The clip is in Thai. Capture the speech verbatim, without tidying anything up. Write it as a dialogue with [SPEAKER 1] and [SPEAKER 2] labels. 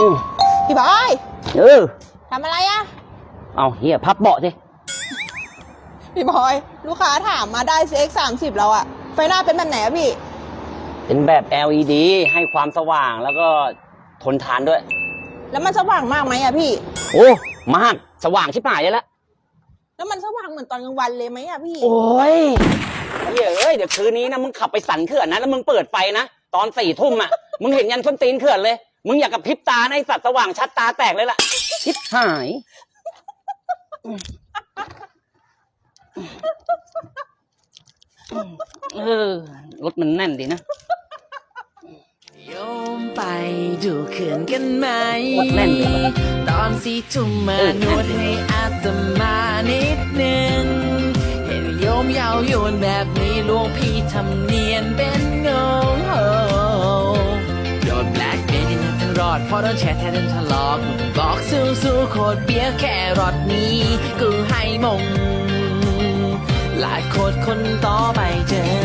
[SPEAKER 1] อืม
[SPEAKER 2] พี่บอย
[SPEAKER 1] เออ
[SPEAKER 2] ทำอะไรอะ
[SPEAKER 1] เอาเฮียพับเบาะสิ
[SPEAKER 2] พี่บอยลูกค้าถามมาได้ ซี เอ็กซ์ สามสิบแล้วอะไฟหน้าเป็นแบบไหนอะพี่
[SPEAKER 1] เป็นแบบ แอล อี ดี ให้ความสว่างแล้วก็ทนทานด้วย
[SPEAKER 2] แล้วมันสว่างมากไหมอะพี่
[SPEAKER 1] โอ้มากสว่างชิบหายเลยละ
[SPEAKER 2] แล้วมันสว่างเหมือนตอนกลางวันเลยไหมอะพี่
[SPEAKER 1] โอ้ยเฮ้ยเอ้ยเดี๋ยวคืนนี้นะมึงขับไปสันเขื่อนนะแล้วมึงเปิดไฟนะตอนสี่ทุ่มอ่ะมึงเห็นยันส้นตีนเขื่อนเลยมึงอยากกับพริบตาในสัตว์สว่างชัดตาแตกเลยล่ะชิบหายเออรถมันแน่นดีนะ
[SPEAKER 3] โยมไปดูเขื่อนกันไหม
[SPEAKER 1] แน่นเลยว่ะ
[SPEAKER 3] ตอนสี่ทุ่มมานวดให้อาตมานิดนึงเห็นโยมเยาวโยนแบบนี้หลวงพี่ทำเนียนเป็นงงโหโดนแบล็คเดย์ที่นั่นทั้งรอดเพราะโดนแชร์แท้เดินทะเลาะกูบอกสู้สู้โคตรเบี้ยแค่รอดนี้กูให้มงหลายโคตรคนต่อไปเจอ